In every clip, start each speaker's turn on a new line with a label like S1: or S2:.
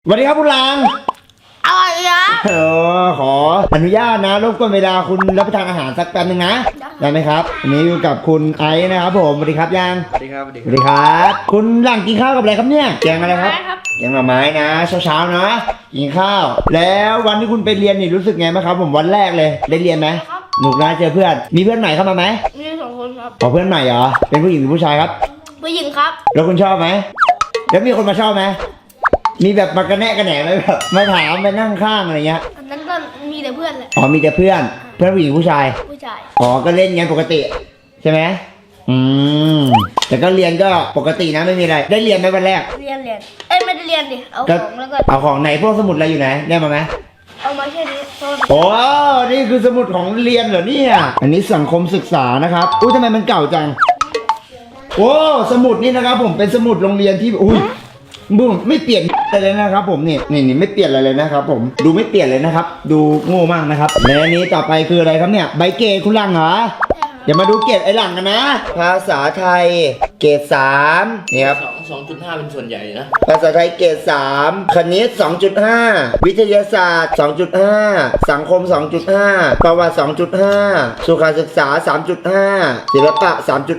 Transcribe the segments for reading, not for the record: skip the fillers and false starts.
S1: สวัสดีครับคุณลัง
S2: อะไรอ่ะ
S1: ขออนุญาตนะรบกวนเวลาคุณรับประทานอาหารสักแป๊บนึงนะได้ไหมครับวันนี้อยู่กับคุณไอซ์นะครับผมสวัสดีครับยัง
S3: สวัสดีครับ
S1: สวัสดีครับคุณลังกินข้าวกับอะไรครับเนี่ยแกงอะไรครับแกงหน่อไม้นะเช้าๆนะกินข้าวแล้ววันที่คุณไปเรียนนี่รู้สึกไงบ้างครับผมวันแรกเลยได้เรียนไหมหนุกนะเจอเพื่อนมีเพื่อนใหม่เข้ามาไหม
S2: มี2 คนครับ
S1: เพื่อนใหม่เหรอเป็นผู้หญิงหรือผู้ชายครับ
S2: ผู้หญิงครับ
S1: แล้วคุณชอบไหมแล้วมีคนมาชอบไหมมีแบบมากระแนะกระแหนไหมแบบมาถามมานั่งข้างอะไรเงี้ย
S2: อันนั้นก็มีแต่เพื่อนแหละ
S1: อ๋อมีแต่เพื่อนผู้หญิงผู้ชายอ๋อก็เล่นกันปกติใช่ไหมแต่ก็เรียนก็ปกตินะไม่มีอะไรได้เรียนไหมวันแรก
S2: เรียนไม่ได้เรียนดิเอาของแล้วก็
S1: เอาของไหนพวกสมุดอะไรอยู่ไหนได้มาไหม
S2: เอามาแค่นี้
S1: โอ้นี่คือสมุดของเรียนเหรอเนี่ยอันนี้สังคมศึกษานะครับอุ้ยทำไมมันเก่าจังโอ้สมุดนี่นะครับผมเป็นสมุดโรงเรียนที่อุ้ยบุ้งไม่เปลี่ยนอะไรเลยนะครับผมนี่ไม่เปลี่ยนอะไรเลยนะครับผมดูไม่เปลี่ยนเลยนะครับดูโง่มากนะครับและอันนี้ต่อไปคืออะไรครับเนี่ยใบเกรดคุณลังเหรออย่ามาดูเกรดไอ้หลังกันนะภาษาไทยเกรด3นี่ครับ
S3: 2.5 เป็นส่วนใหญ่นะ
S1: ภาษาไทยเกรด3คณิต 2.5 วิทยาศาสตร์ 2.5 สังคม 2.5 ประวัติ 2.5 สุขศึกษา 3.5 ศิลปะ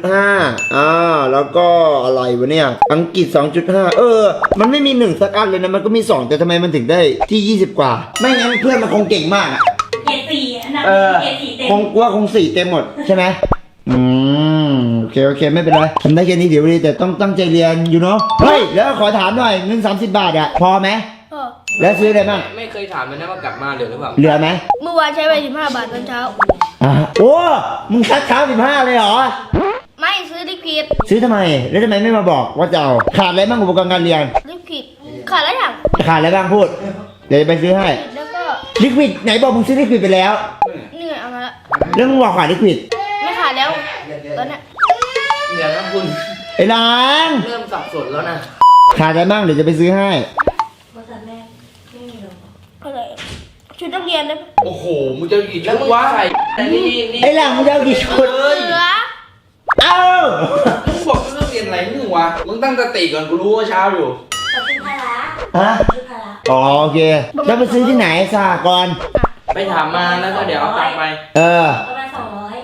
S1: 3.5 แล้วก็อะไรวะเนี่ยอังกฤษ 2.5 มันไม่มี1สักอันเลยนะมันก็มี2แต่ทำไมมันถึงได้ที่20กว่าไม่งั้นเพื่อนมันคงเก่งมากอะ
S4: เกรด4อันนั้นเกรด4เต็ม
S1: คง4เต็มหมดใช่ไหมโอเคไม่เป็นไรทำได้แค่นี้เดี๋ยวดีแต่ต้องตั้งใจเรียนอยู่เนาะเฮ้ยแล้วขอถามหน่อยเงิน30 บาทอะพอไหมแล้วซื้ออะไรบ้าง
S3: ไม่เคยถามเลยนะว่ากลับมาเหลือหรือเปล่า
S1: เหลือไหม
S2: เมื่อวานใช้ไป15 บาทตอนเช้า
S1: โอ้มึงซัดเช้า15เลยเหรอ
S2: ไม่ซื้อลิควิด
S1: ซื้อทำไมแล้วทำไมไม่มาบอกว่าจะเอาขาดอะไรบ้างอุปกรณ์การเรียน
S2: ลิควิดขาดอะไรอย่าง
S1: ขาดอะไรบ้างพูดเดี๋ยวจะไปซื้อให้
S2: แล้วก็
S1: ลิควิดไหนบอกมึงซื้อลิควิดไปแล้ว
S2: นี่เอามาละ
S1: แล้วมึงบอกขาดลิควิด
S2: ไม่ขาดแล้วตอนนี้
S3: เดี๋ยวนะคุณ
S1: ไอ้หลาน
S3: เริ่มสับสนแล้วนะ
S1: ขาดอะไรบ้างเดี๋ยวจะไปซื้อให้
S4: ภาษาแม่ไม่มีหรอ
S2: อะไรชุดนักเรียนเลย
S3: โอ้โหมึงจะกี่ชุดวะ
S1: ไอ้หลังมึงจะกี่ชุดเอ้า
S3: มึงบอกเรื่องเรียนอะไรมึงวะมึงตั้งสติก่อนกูรู้ว่าเช้าอยู่
S4: จะเป็นภาระ
S1: อ๋อโอเคแล้วไปซื้อที่ไหนสหกรณ์
S3: ไปถามมาแล้วก็เดี๋ยวเอาตังค์ไป
S4: ประมาณ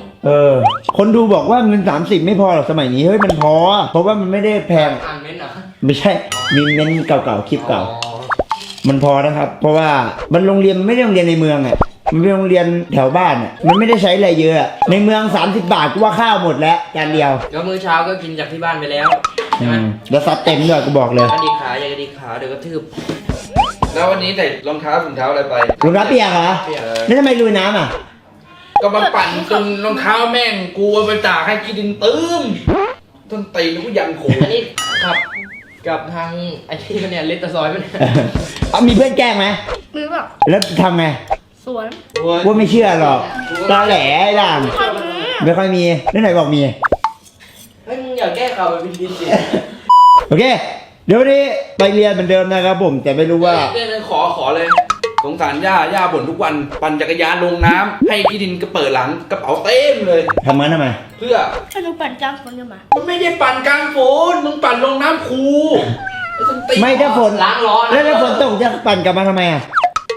S4: 200
S1: คนดูบอกว่าเงิน30ไม่พอหรอกสมัยนี้เฮ้ยมันพอเพราะว่ามันไม่ได้แพง
S3: อ่านเม้นต์เหรอ
S1: ไม่ใช่มีเม้นต์เก่าๆคลิปเก่ามันพอนะครับเพราะว่ามันโรงเรียนไม่ได้โรงเรียนในเมืองอ่ะมันเป็นโรงเรียนแถวบ้านอ่ะมันไม่ได้ใช้อะไรเยอะในเมือง30 บาทกูว่าข้าวหมดแล้วจานเดียว
S3: ก็มื้อเช้าก็กินจากที่บ้านไปแล้วใช่ไหม
S1: แล้วซัดเต็มด้วยกูบอกเลย
S3: กระดิกขาอย่ากระดิกขาเดี๋ยวก็ทืบแล้ววันนี้ใส่รองเท้าถุงเท้าอะไรไป
S1: รองเท้าเปียกเหรอแล้วทำไมลุยน้ำอ่ะ
S3: ก็มาปั่นจนรองเท้าแม่งกูเอาไปตากให้กินดินตื้มต้นตีนกูยันโขอันนี้ครับกับทางไอ้ที่เนี่ยเลตซอยมัน
S1: มีเพื่อนแกล้งไหม
S2: มีแบบ
S1: แล้วทำไง
S2: สวน
S1: ว่าไม่เชื่อหรอกตาแหล่หลังไม่ค่อยมีแล้วไหนบอกมี
S3: เฮ้ยมึงอย่าแก้ข่าวไปเป็นดินสิ
S1: โอเคเดี๋ยววันนี้ไปเรียนเหมือนเดิมนะครับผมแต่ไม่รู้ว่า
S3: ขอเลยสงสารย่าบ่นทุกวันปั่นจักรยานลงน้ำให้พี่ดินก็เปิดหลังกระเป๋าเต็มเลย
S1: ทำไม
S3: เพื่อ
S2: ถ้าหนูปั่นกลางฝนจะมา
S3: มึงไม่ได้ปั่นกลางฝนมึงปั่นลงน้ำคู
S1: ไม่ถ้าฝน
S3: ล้างร้อน
S1: แล้วฝนตกจะปั่นกลับมาทำไมอ่ะ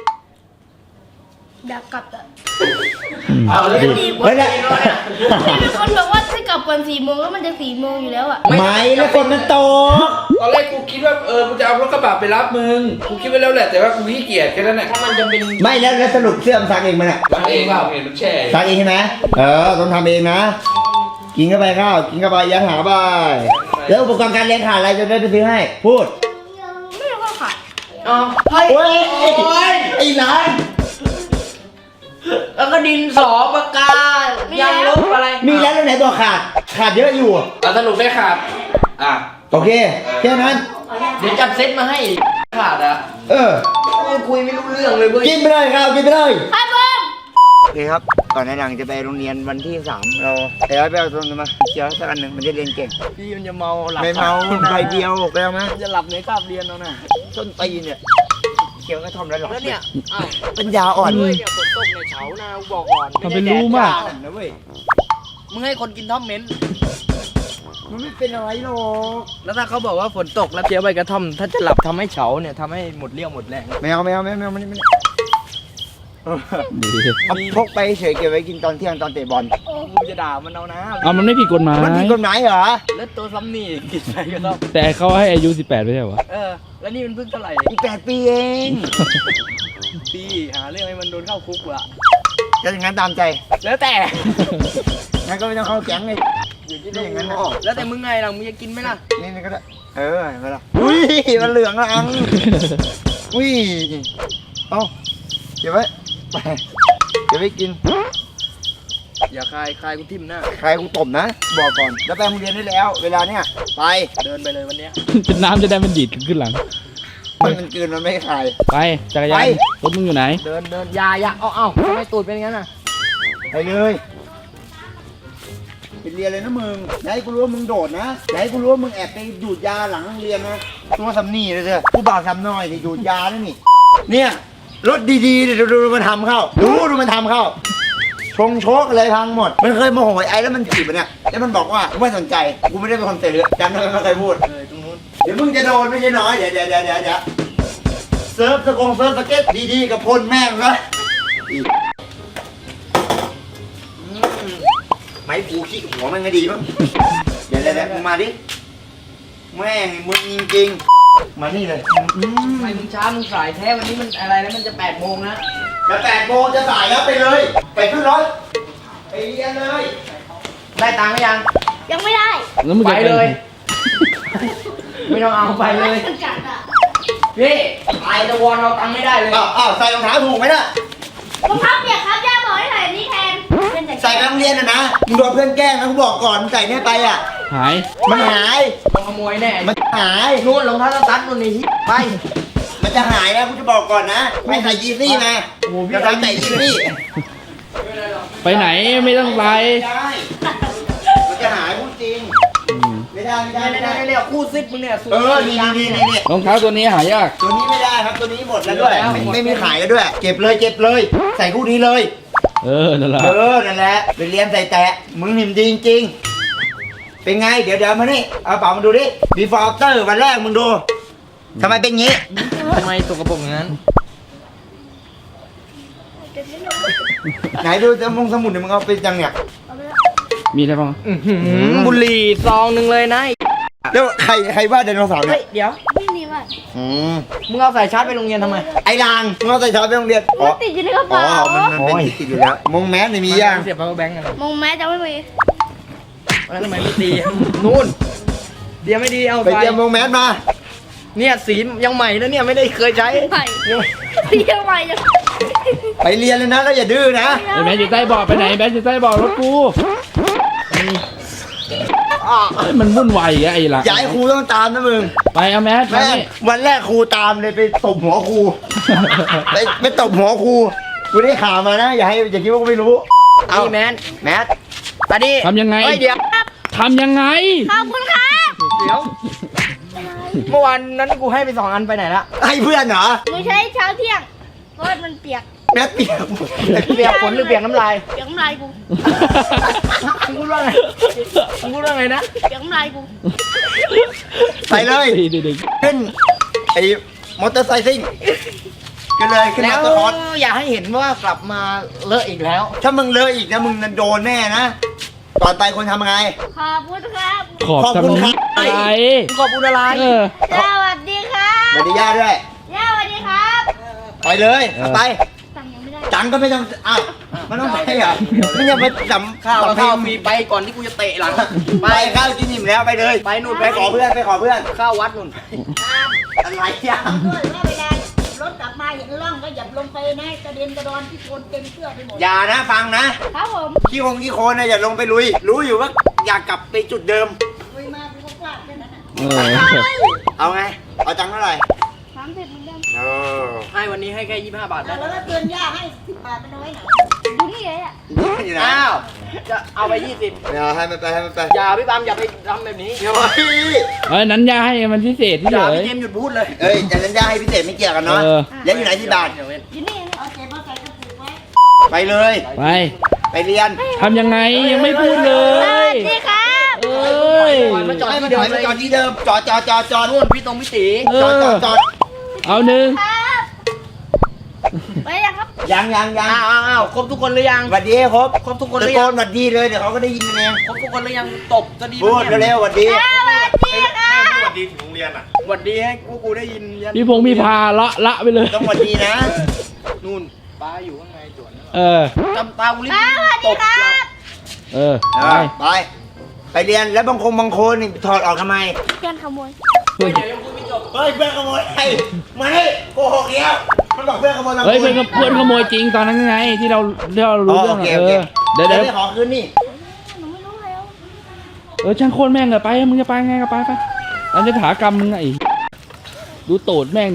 S2: อยากกลับอ่ะ
S3: เอาเลย
S1: ไม่ได้
S2: มีคนบอกว่าถ้ากลับก่อน4 โมงแล้วมันจะ4 โมงอยู่แล้วอ่ะ
S1: ไม่แล้วฝนมันตก
S3: ตอนแรกกูคิดว่ากูจะเอารถกระบะไปรับมึงกูคิดไว้แล้วแหละแต่ว่ากูขี้เกียจแค่นั้นแหละถ้ามันจะเป็น
S1: ไม่แล้วสรุปเสื้อมันซักเองมั้ยเนี่ย
S3: ซักเองเปล่าเห็นมันแช่
S1: ซักเองใช่ไหมต้องทำเองนะกินเข้าไปข้าวกินเข้าไปยัดหาไปแล้วอุปกรณ์การเรียนขาดอะไรจะได้ไปซื้อให้พูด
S2: ไม่รู้ว่าขาด
S1: โอ้ยไอ้หลาน
S3: แล้วก็ดินสอปากกายางลบอะไร
S1: มีแล้วไหนบอกขาดเยอะอยู่
S3: สรุปได้ขาด
S1: โอเคแค่นั้น
S3: เดี๋ยวจัดเซตมาให้ขาดคุยไม่รู้เรื่องเลยเว้ย
S1: กินไปเลยครับกินไปเลย
S2: ครับผม
S1: โอเคครับก่อนในหนังจะไปโรงเรียนวันที่3เราไปเอาตรงนี้มาเชียวสักอันหนึ่งมันจะเรียนเก่ง
S3: พี่มันจะเมาหลับ
S1: ไม่เมาใบเดียวไปเอาไหม
S3: จะหลับในคาบเรียนแล้วนะ
S1: ต้นตีเนี่ยเขียวกระท่อมแล้วหรอ
S3: แล้วเนี่ย
S1: ปัญญาอ่อน
S3: เลยฝนตกในเฉานะบอกก่อน
S1: ทำเป็นรู้มากนะเว้ย
S3: มึงให้คนกินท่อมเม้น
S1: มันไม่เป็นอะไรหรอก
S3: แล้วถ้าเขาบอกว่าฝนตกแล้วเคี้ยวใบกระท่อม ถ้าจะหลับทำให้เฉาเนี่ยทำให้หมดเรี่ยวหมดแรง
S1: ไม่เอามันนี่เอาพกไปเฉยเก็บไว้กินตอนเที่ยงตอนเตะบอล
S3: กูจะด่ามันเอานะ
S5: เอามันไม่ผิดกฎหมาย
S1: มันผิดกฎหมายเหรอ
S3: แล้วตัวซ้ำนี่กินใบกระท่อม
S5: แต่เขาให้อายุ 18ไม่ใช่เหรอวะ
S3: แล้วนี่มันเพิ่งเท่าไหร่
S1: อีก8 ปีเอง
S3: ปีหาเรื่องให้มันโดนเข้าคุกว่ะ
S1: จะอย่างนั้นตามใจ
S3: แล้วแต่
S1: งั้นก็ไม่ต้องเข้าแก๊งเลยอยู่ที่นี่อย่างนั้นนะ
S3: แล้วแต่มึงไงล่ะมึงจะกินไหมล่ะ
S1: นี่ก็ได้เห็นไหมล่ะอุ้ยมันเหลืองละอังอุ้ยเอาเก็บไว้ไปเก็บไว้กิน
S3: อย่าคายกูทิ่มหน้า
S1: ใครกูตบนะ บอกก่อนแล้วไปโรงเรียนได้แล้ว เวลาเนี้ยไป
S3: เดินไปเลยวันเนี้ย
S5: จะน้ำจะได้มันดีดขึ้นหลัง
S1: มันกลืนมันไม่คาย
S5: ไปจักรยาน
S1: ไป
S5: รถมึงอยู่ไหน
S3: เดินอย่าเอาทำไมตูดเป็นอย่างนั้นอ่ะ
S1: ไปเลยไปเรียนเลยนะมึงอย่าให้กูรู้ว่ามึงโดดนะอย่าให้กูรู้ว่ามึงแอบไปดูดยาหลังโรงเรียนนะตัวสำนีเลยเถอะผู้บ่าวทำน้อยที่ดูดยาด้วยนี่เนี่ยรถดีๆเนี่ยดูมันทำเข้าดูมันทำเข้าชงโชกอะไรพังหมดมันเคยโมโหไอ้แล้วมันจีบมันเนี่ยแล้วมันบอกว่ากูไม่สนใจกูไม่ได้เป็นคนเตะเลยจำได้ไหมมันเคยพูด
S3: ตรงนู้น
S1: เดี๋ยวมึงจะโดนไม่ใช่น้อยเดี๋ยวเซิร์ฟสเก็ตดีๆกับพลแม่งนะไม้ผูขี้หัวมันก็ดีมั้งเดี๋ยวมึงมาดิแม่งมึงจริงๆมานี่เลย
S3: ทำไมมึงช้ามึงสายแท้วันนี้มันอะไรแล้วมันจะ8 โมงนะ
S1: จะ8 โมงจะสายแล้วไปเลย ไปขึ้นรถไปเรียนเลย
S3: ได้ตังค์หรือยัง
S2: ยังไม่ได้
S5: แล้วมึง
S3: ไป
S5: จะ
S3: เลย ไม่ต้องเอาไปเลย
S2: มันกัดอ่ะ
S3: พี่ไอตะวอนเอาตังค์ไม่ได้เลย
S1: อ้าวใส่รองเท้าถูกไหมน่ะ
S2: รองเท้าเปียกครับย่าบอกให้ใส่อันนี้แทน
S1: ใส่ไปโรงเรียนนะมึงโดนเพื่อนแกล้งนะกูบอกก่อนมึงใส่เนี่ยไปอ่ะ
S5: หาย
S1: มันหาย
S3: ต้องขโมยแน่
S1: มันหาย
S3: นู่นรองเท้าสตั๊ดนู่นนี่ไป
S1: มันจะหายนะกูจะบอกก่อนนะไม่ใส่ยีซี่มา
S3: โอ้โหพี่
S1: จะใส่ยีซี่
S5: ไปไหนไม่ต้องไป
S1: ไม่ได้มันจะหายพูดจริง ไม่ได้
S3: ไม่เรียกคู่ซิปมึงเนี่ย
S1: นี่
S5: รองเท้าตัวนี้หายาก
S1: ตัวนี้ไม่ได้ครับตัวนี้หมดแล้วด้วยไม่มีขายแล้วด้วย เก็บเลย ใส่คู่นี้เลย
S5: นั่นแหละ
S1: นั่นแหละไปเรียนใส่แตะมึงหิมดีจริงๆเป็นไงเดี๋ยวมานี่เอาเป๋ามาดูดิ before after วันแรกมึงดูทำไมเป็นงี้
S3: ทำไมสกปรกอย่างนั้น
S1: ไหนดูจะมงสมุดเนี่ยมึงเอาไปจังเนี่ย
S5: มีอะไรบ้าง
S3: บุหรี่ซองหนึ่งเลยนะ
S1: แล้วใครว่าไดโนเสาร์เนี่
S3: เฮ้
S1: ย
S3: ยเดี๋ยว
S2: ไม่มีว่ะ
S3: มึงเอาสายชาร์จไปโรงเรียนทำไม
S1: ไอ้ลางมึงเอาใส่ช้อนไปโรงเรียน
S2: มันติดอยู่ในกระเป๋า
S1: มันเป็นติดอยู่แล้วมงแมสเนี่ยมียัง
S3: เสียบ power bank กัน
S2: มองแม้จะไม่มี
S3: แล้วทำไมไม่ตีนู่นเดี๋ยวไม่ดีเอา
S1: ไป
S3: ไป
S1: เตรียมมงแมสมา
S3: เนี่ยสียังใหม่นะเนี่ยไม่ได้เคยใช้
S2: ใหม่เรียกใหม่จะ
S1: ไปเรียนเลยนะแล้วอย่าดื้อนะ
S5: ไอ้แบงค์อยู่ใต้เบาะไปไหนแบงค์อยู่ใต้เบาะรถกูเฮ้ยมันวุ่นวายอ่ะไอ้หลัง
S1: อย่าให้ครูต้องตามนะมึง
S5: ไปเอาแมสมา
S1: แม่ง
S5: นี่
S1: วันแรกครูตามเลยไปตบหัวครู ไปตบหัวครูกูได้ข่าวมานะอย่าคิดว่ากูไม่รู้
S3: เอาแมน
S1: แมส
S3: ตาดี
S5: ทำยังไง
S3: เฮ้ยเดี๋ยว
S5: ทำยังไง
S2: ขอบคุณครับ
S3: เดี๋ยวเมื่อวานนั้นกูให้ไป2 อันไปไหนละ
S1: ให้เพื่อนเหรอ
S2: หนูใช้เช้าเที่ยงเพราะมันเปียก
S1: แมสเปียก
S3: เปียกฝนหรือเปียกน้ำลาย
S2: เปียกน้ำลายกู
S3: มึงพูดว่าไงมึงพูดว่าไงนะ
S2: เปียกน้ำลายกู
S1: ไปเลย
S5: เด็ก
S1: ขึ้นไอ้มอเตอร์ไซค์ซิ่งขึ้นเลยขึ้น
S3: แล้
S1: มอ
S3: ว
S1: เตอร์คอร์ส
S3: อย่าให้เห็นว่ากลับมาเลอะอีกแล้ว
S1: ถ้ามึงเลอะอีกนะมึงโดนแน่นะก่อนไปคนทำไง
S2: ขอบคุณครับ
S5: ขอบ
S1: ขอบคุณ
S5: ทำ
S1: ครับ
S5: ไม
S3: มึงขอบคุณอะไร
S5: เออ
S2: สวัสดีครับ
S1: สวัสดีย่าด้วย
S2: ย่าสวัสดีครับ
S1: ไปเลยเอาไป
S2: ตังค์ยังไม่ได้
S1: จังก็ไม่ต้องอ้าวมันต้องไปเหรอไม่ยังไปจำ
S3: ข้าว
S1: จำเพล
S3: ข้าว
S1: ง
S3: ฟรีไปก่อนที่กูจะเตะหลัง
S1: ไปข้าวกินอิ่มแล้วไปเลย
S3: ไปนู่น
S1: ไปขอเพื่อน
S3: ข้าววัดนู่น
S1: อะไรอ่ะ
S6: ด้วยว่าเวลารถกลับมาเห็นร่องก็อย่าลงไปนะกระเด็นกระดอนที่โคนเต็มเสื้อไปหมด
S1: อย่านะฟังนะครับ
S2: ผม
S1: ขี้โคลนนะอย่าลงไปลุย รู้อยู่ว่าอยากกลับไปจุดเดิม
S6: ลุยมากูก็กวาดแค่นั้นน่ะ
S5: เออ
S1: เอาไงเอาจังเท่าไหร่
S2: 30เหมือนเดิม
S1: เออ
S3: ให้วันนี้ให้แค่25 บาท
S6: แล้ว
S3: นะ
S6: ก็เตือนย่าให้10 บาทไปน้อยหน่อย
S2: อยู่นี่เลยอ่ะ
S1: นี่นะ
S3: อ้าวจะเอาไป
S1: ไม่เอาให้มันไป
S3: 20อย่าพี่ปามอย่าไปทำแบบนี้
S1: เฮ้ย
S5: เอ้ยนั้นยาให้มันพิเศษที่
S3: อ
S5: เฉ
S3: ย่าย พี่เจมส์หยุดพูดเลย
S1: เอ้ยแต่สัญญาให้พิเศษไม่เกี่ยวกันเนาะ
S5: เออ
S1: แล้วอยู่ไหนที่บ้าน
S2: อยู่นี่
S6: เอาเจ็บมาใส่กระปุกไว้
S1: ไปเลย
S5: ไป
S1: ไปเรียน
S5: ทำยังไงยังไม่พูดเล
S2: สวั
S5: ย
S2: สดีครับ
S5: เออย
S3: มาจอด
S1: ให้
S3: ที่
S1: มัน
S3: เดิ
S1: ถ
S3: ม
S1: อย
S3: เล
S1: มาย จอดที่เดิมจอด
S3: นู่นพี่ตรงพี่ตี
S5: เอ
S1: จอด
S5: อ
S1: จอด
S5: เอาหนึ่ง
S2: ไปยังครับ
S1: ยัง
S3: อ้าวครบทุกคนหรือยัง
S1: สวัสดีครบ
S3: ครบทุกคนห
S1: ตะ
S3: รือ
S1: โก
S3: ยัง
S1: นสวัสดีเลยเดี๋ยวเขาก็ได้ยินกันเอง
S3: ครบทุกคนหรือยังตบจะดี
S1: พูดเร็วๆสวัสดี
S3: สวัสดีให้กูได้ยินยัน
S5: พี่พงษ์พี่พาละไปเลย
S1: ต้องสวัสดีนะ
S3: นู่นป้าอยู่ข้างในจวน
S5: เออ
S3: จำตากูรีบตบหลับ
S5: เออ
S1: ไปเรียนแล้วบางคนนี่ถอดออกทำไม
S2: เพื่อนขโมย
S3: เดี๋ยวยังพูดไม่จบ
S1: เฮ้ยเพื่อนขโมยไม่โกหกเดียวมันบอกเพื่อนขโมย
S5: เฮ้ยเพื่อนขโมยจริงตอนนั้นไงที่เรารู้เรื่อง
S1: โอเค
S5: เดี๋ยว
S1: ไม่ขอคืนนี่
S2: หนูไม่รู้แล้ว
S5: ช่างโคตรแม่งเลยไปมึงจะไปไงก็ไปเราจะถากรรมมึงไงดูโตดแม่งดิ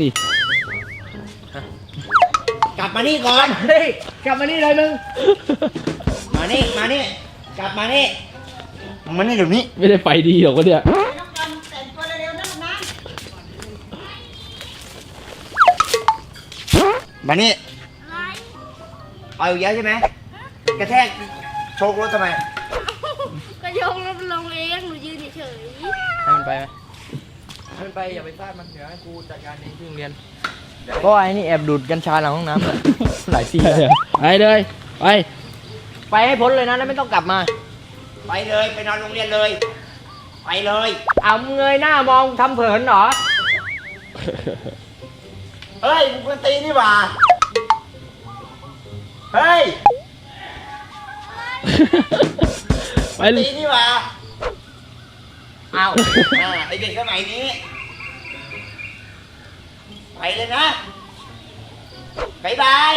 S1: กลับมานี่ก่อน
S3: เฮ้ยกลับมานี่เลยมึง
S1: มานี่กลับมานี่มันนี่เดี๋ยวนี้
S5: ไม่ได้ไปดีหรอกวะเนี่ย
S6: น้องกันแต่งตัวเร็วๆนะนะ
S1: มานี่
S2: อะไร
S1: เอาอีกแล้วใช่ไหมกระแทกโชกรถทำไม
S2: ก็ยกรถลงเองหนูยืนเฉย
S3: ให้มันไปไหมให้มันไปอย่าไปฟาดมันเดี๋ยวให้กูจัดการเองที่โรงเรียนก็ไอ้นี่แอบดูดกัญชาหลังห้องน้ำ หลายทีแล้ว
S5: ไปเลยไป
S3: ไปให้พ้นเลยนะแล้วไม่ต้องกลับมา
S1: ไปเลยไปนอนโรงเรียนเลยไปเลย
S3: เอามึงเงยหน้ามองทำเผินเหรอ
S1: เฮ้ยมึงควรตีนี่หว่าเฮ้ย
S5: ไปเล
S1: ตี
S5: ย
S1: นี่หว่า
S3: เอา
S1: ไอเด็กสมัยนี้ไปเลยนะบายบาย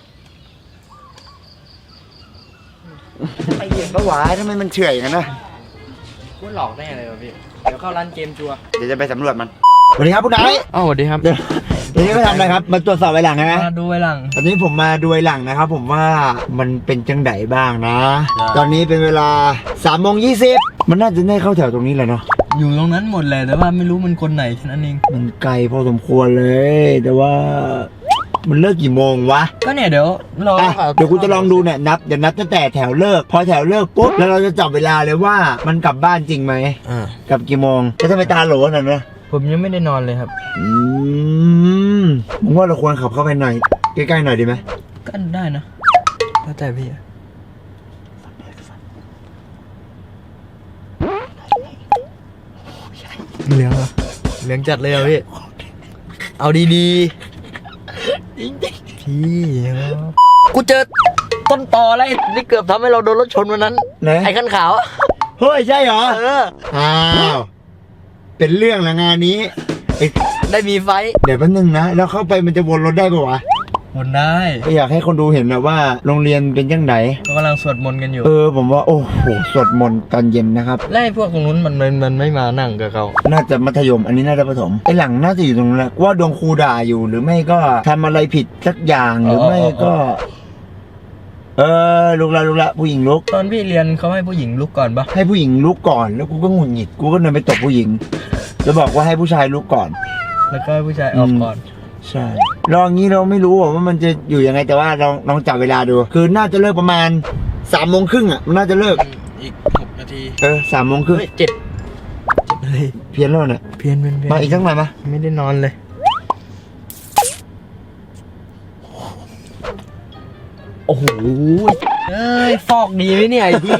S1: ไปเรียนปะวะทำไมมันเฉื่อยอย่างนั้นนะ
S3: กูหลอกได้ไงเลยวะพี่ เดี๋ยวเข้าร้านเกมชัวร์
S1: เดี๋ยวจะไปสำรวจมันสวัสดีครับคุณนาย
S3: อ้าวสวัสดีครับ
S1: เดี๋ยวนี้มาทำอะไรครับมาตรวจสอบไว้หลังใช่ไหม
S3: มาดูไว้หลัง
S1: ตอนนี้ผมมาดูไอ้หลังนะครับ ผมว่ามันเป็นจังไดบ้างนะ ตอนนี้เป็นเวลา3:20มันน่าจะได้เข้าแถวตรงนี้แหละเนาะ
S3: อยู่ตรงนั้นหมดเลยแต่ว่าไม่รู้มันคนไหนแค่นั้นเอง
S1: มันไกลพอสมควรเลย แต่ว่ามันเลิกกี่โมงวะ
S3: ก็เนี่ยเดี๋ยวเรา
S1: อ่ะเดี๋ยวกูจะลองดูเนี่ยเดี๋ยวนับตั้งแต่แถวเลิก พอแถวเลิกปุ๊บแล้วเราจะจับเวลาเลยว่ามันกลับบ้านจริงไหม
S3: อ่าก
S1: ลับกี่โมงแล้วทำไมตาโหลนั่นนะ
S3: ผมยังไม่ได้นอนเลยครับ
S1: ผมว่าเราควรขับเข้าไปหน่อยใกล้ๆหน่อยดีไหม
S3: ก็ได้นะแล้วแต่พี่อะเหลืองเหรอเหลืองจัดเลยเหรอพี่ เอาดีๆพี่กูเจอต้นตอแล้วนี่เกือบทำให้เราโดนรถชนวันนั้น
S1: ไหน
S3: ไอ้คันขาวอะ
S1: เฮ้ยใช่เหรอ
S3: เออ
S1: อ้าวเป็นเรื่องละงานนี้ไอ้
S3: ได้มีไฟท์
S1: เดี๋ยวแป๊บนึงนะแล้วเข้าไปมันจะวนรถได้ปะวะ
S3: วนได้
S1: ก็อยากให้คนดูเห็นนะว่าโรงเรียนเป็นยังไง
S3: เขากำลังสวดมนต์กันอยู่
S1: ผมว่าโอ้โหสวดมนต์ตอนเย็นนะครับ
S3: แล้วไอ้พวกตรงนู้นมันไม่มานั่งกับเขา
S1: น่าจะมัธยมอันนี้น่าจะประถมไอ้หลังน่าจะอยู่ตรงนั้นแหละว่าโดนครูด่าอยู่หรือไม่ก็ทำอะไรผิดสักอย่างหรือไม่ก็ ลุกละผู้หญิงลุก
S3: ตอนพี่เรียนเขาให้ผู้หญิงลุกก่อนปะ
S1: ให้ผู้หญิงลุกก่อนแล้วกูก็หงุดหงิดกูก็เดินไปตบผู้หญิงแล้วบอกว่าให้ผู้ชายลุกก่อน
S3: แล้วก็ให้ผู้ชายออกก่อน
S1: ใช่ลองงี้เราไม่รู้ว่ามันจะอยู่ยังไงแต่ว่าลองจับเวลาดู คือน่าจะเลิกประมาณ3:30อ่ะมันน่าจะเลิก
S3: อีก6 นาที
S1: 3:30
S3: เฮ้ย7เลย
S1: เพี้ยนแล้วเนี่ย
S3: เพี้ยน
S1: มาอีกสักหน่อยมา
S3: ไม่ได้นอนเลย โอ้โหเอ้ยฟอกดีไหมเนี่ยไอ้พี่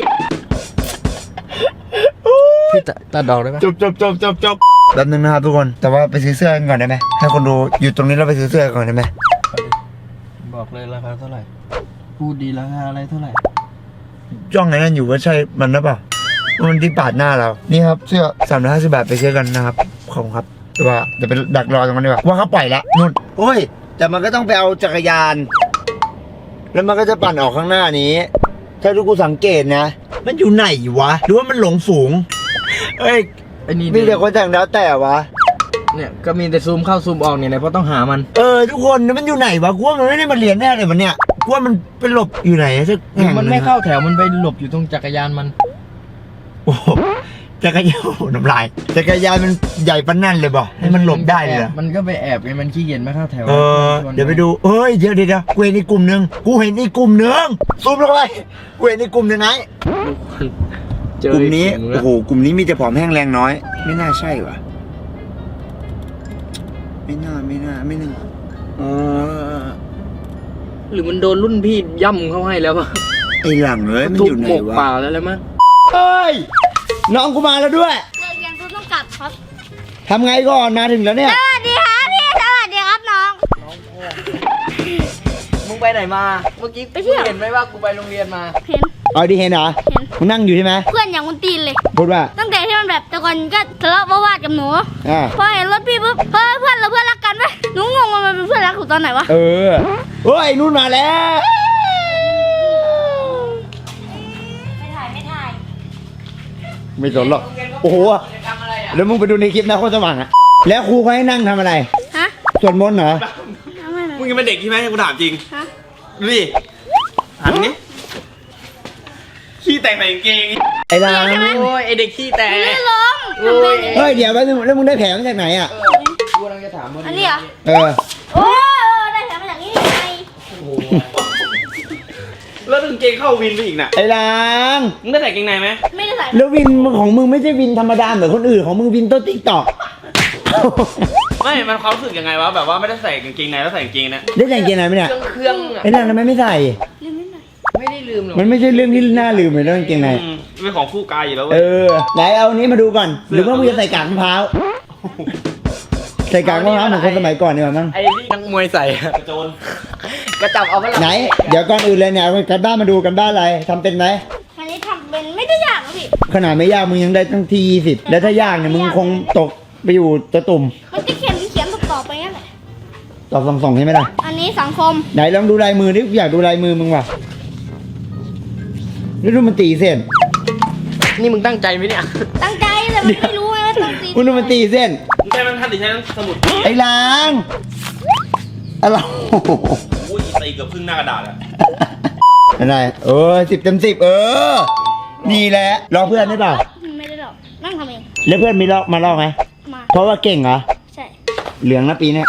S3: พี่ตัดดอกได้ไหม
S1: จบแป๊บนึงนะครับทุกคนแต่ว่าไปซื้อเสื้อกันก่อนได้ไหมให้คนดูอยู่ตรงนี้เราไปซื้อเสื้อก่อนได้ไหม
S3: บอกเลยราคาเท่าไหร่พูดดีราคาอะไรเท่าไหร่
S1: จ้องไอ้นั่นอยู่ว่าใช่มันหรือเปล่ามันที่ปาดหน้าเรานี่ครับเสื้อ350 บาทไปซื้อกันนะครับขอบคุณครับแต่ว่าเดี๋ยวไปดักรอตรงนั้นดีกว่าว่าเขาปล่อยแล้วนู่นโอ้ยแต่มันก็ต้องไปเอาจักรยาน แล้วมันก็จะปั่นออกข้างหน้านี้ ถ้าทุกคนสังเกตนะ มันอยู่ไหนวะ หรือว่ามันหลงฝูง เอ้ย
S3: ไอ้นี่
S1: มีแต่คนแต่งแล้วแต่วะ
S3: เนี่ยก็มีแต่ซูมเข้าซูมออกเนี่ยนะเพราะต้องหามัน
S1: ทุกคนมันอยู่ไหนวะกูว่ามันไม่ได้มาเรียนแน่เลยมันเนี่ยกูว่ามันไปหลบอยู่ไหนสักแห่ง
S3: มันไม่เข้าแถวมันไปหลบอยู่ตรงจักรยานมัน
S1: โอ้โหจักรยานโอ้โหน้ำลายจักรยานมันใหญ่ปานนั่นเลยบ่ให้มันหลบได้เลยเหรอ
S3: มันก็ไปแอบไงมันขี้เกียจไม่เข้าแถว
S1: เดี๋ยวไปดูเฮ้ยเดี๋ยวกูเห็นอีกกลุ่มหนึ่งซูมลงไปกูเห็นอีกกลุ่มหนึ่งไง
S3: เจอก
S1: ลุ่มนี้
S3: อีกแล้ว
S1: โอ้โหกลุ่มนี้มีแต่ผอมแห้งแรงน้อย ไม่น่าใช่วะไม่น่าเออ
S3: หรือมันโดนรุ่นพี่ย่ำเข้าให้แล้วป่ะ
S1: ไอหลังเลยมัน
S3: ทุ
S1: อบ ยู่ไหน
S3: หมก
S1: วะ
S3: เปล่าแล้วมั้ง
S1: เอ้ยน้องกูมาแล้วด้วย
S2: เลิกเรียนกูต้องกลับครับ
S1: ทำไงก่อนมาถึงแล้วเนี่ย
S2: สวัสดีครับพี่สวัสดีครับน้อง
S3: มึงไปไหนมา เมื่อกี้
S2: ไปเที่ยว
S3: เห็นไหมว่ากูไปโรงเรียนมา
S2: เห็น
S1: เอาดีเห็นเหรอ
S2: เห็น
S1: มึงนั่งอยู่ใช่ไหม
S2: เพื่อนอย่างคุณตีนเลย
S1: พูดว่า
S2: ตั้งแต่ที่มันแบบแต่ก่อนก็ทะเลาะวาดกับหนู
S1: อ่า
S2: พอเห็นรถพี่ปุ๊บเฮ้ยเพื่อนเราเพื่อนรักกันไหมหนูงงว่ามันเป็นเพื่อนรักกูตอนไหนวะ
S1: เออเฮ้ยนู่นมาแล้ว
S4: ไม่ถ่าย
S1: ไม่สนหรอกโอ้โหแล้วมึงไปดูในคลิปนะโคตรสว่างอะแล้วครูเขาให้นั่งทำอะไร
S2: ฮะ
S1: สวดมนต์เหรอ
S2: ทำไม
S7: มึงยังเป็นเด็กใช่ไหมกูถามจริง
S2: ฮะ
S7: ดูดิหันนี้ขี้แตกใส่กางเกง
S1: ไอ้ลาง
S3: โอ้ยไอเด็กขี้แตก
S2: ไม่ล้ม
S3: โอ้ย
S1: เฮ้ยเดี๋ยวแป๊บนึงแล้วมึงได้แผลมาจากไหนอ่ะ
S3: กูกำลังจะถามมัน
S2: อันนี้เหรอ
S1: เออ
S2: โอ้ได้แถมมาจากนี่ไง
S7: แล้วกางเกงเข้าวินไปอีกน่ะ
S1: ไอ้ลาง
S7: มึงได้ใส่กางเกงในไหม
S2: ไม่ได้ใส่
S1: แล้ววินของมึงไม่ใช่วินธรรมดาเหมือนคนอื่นของมึงวินโต๊ะติ๊กตอก
S7: ไม่ มันความรู้สึกยังไงวะ แบบว่าไม่ได้ใส่กางเกงในแล้วใส่กางเกงนะ
S1: ได้ใส่กางเกงในไหมเนี่ย
S3: เครื่องอะ
S1: ไอ้ลางทำไมไม่ใส่
S2: ลืมนิดหน่อย
S3: ไม่ได้ลืมหรอก
S1: มันไม่ใช่เรื่องที่น่าลืมเลยเรื่องกางเกงใน
S7: เป็นของคู่กายอยู่แล้วเว้
S1: เอย อไหนเอาอันนี้มาดูก่อนหรือว่ามึงจะใส่กากมะพร้าวใส่กากมะพร้าวเหมือนคนสมัยก่อนดีกว่ามั้ง
S3: ไอ้ที่นักมวยใส่อะ
S7: กระโจน
S3: กระจับเอาไปละ
S1: ไหน เดี๋ยวก่อนอื่นเลยเนี่ยเอากันบ้านมาดูกันบ้านอะไรทำเป็นไหม
S2: อันนี้ทำเป็นไม่ได้ยากหรอกพี่
S1: ขนาดไม่ยากมึงยังได้ตั้งที่20แล้วถ้ายากเนี่ยมึงคงตกไปอยู่ตะตุ่ม
S2: มันจะเขียนต่อไปงั้นแหละ
S1: ตอบส่งๆใช่ไหมล่ะ
S2: อันนี้สังคม
S1: ไหนลองดูลายมือดิอยากดูลายมือมึงว่ะแล้วดูมันตีเส้น
S3: นี่มึงตั้งใจไหมเนี่ย
S2: ตั้งใจแต่มันไม่รู้ไงว่าต้องตี
S1: มึงดูมันตีเส้น
S7: มึงใช้มันทันหรือใช้สมุด
S1: ไอ้ล้างอะไร
S7: โอ้ยตีเกือบครึ่งหน้ากระดาษอะ
S1: อะไร10/10นี่แหละลองเพื่อนได้เปล่า
S2: ไม่ได้หรอกนั่งทำเอง
S1: แล้วเพื่อนมีลอกมาลอกไหม
S2: มา
S1: เพราะว่าเก่งเหรอ
S2: ใช่
S1: เหลืองนะปีเนี้ย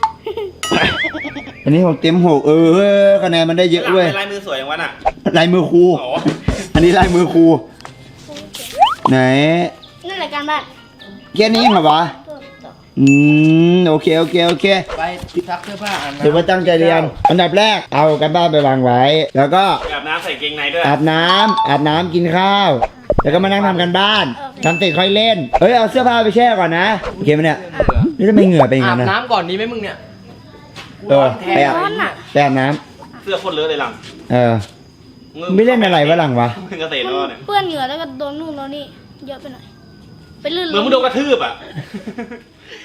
S1: อันนี้6 เต็ม 6คะแนนมันได้เยอะเว้ย
S7: ลายมือสวยอย่างวันอ่ะ
S1: ลายมือครู
S7: โอ้
S1: อันนี้ลายมือครูไหน
S2: นั่นแหละการบ้าน
S1: แค่นี้เหรอวะ
S2: ตัวต่อ
S1: โอเค
S3: ไปซักเสื้อผ้าอ่าน
S1: ถือว่าตั้งใจเรียน อันดับแรกเอากันบ้านไปวางไว้ แล้วก็
S7: อาบน้ำใส่กางเกงในด้วย
S1: อาบน้ำกินข้าว แล้วก็มานั่งทำกันบ้านทำเสร็จค่อยเล่น เฮ้ยเอาเสื้อผ้าไปแช่ก่อนนะโอเคไหมเนี่ยนี่ทำไมเหงื่อเป็นอย่าง
S3: อาบ
S1: นั้นนะ
S3: น้ำก่อนดีไหมมึงเนี่ย
S1: เออไปอาบ
S2: ร้อนอ่ะ
S1: ไปอาบน้
S7: เสื้อโคตรเลอะเลยหลัง
S1: ำไม่เล่นอะไรวะหลังวะ
S7: มึงเกษตร
S2: มัน
S7: แล้วเนี่ย
S2: เปื้อนเหงื่อแล้วก็โดนนู่นโดนนี่เยอะไปหน่อยไปลื่น
S7: เหมือนมึงโดนกระทืบอ่ะ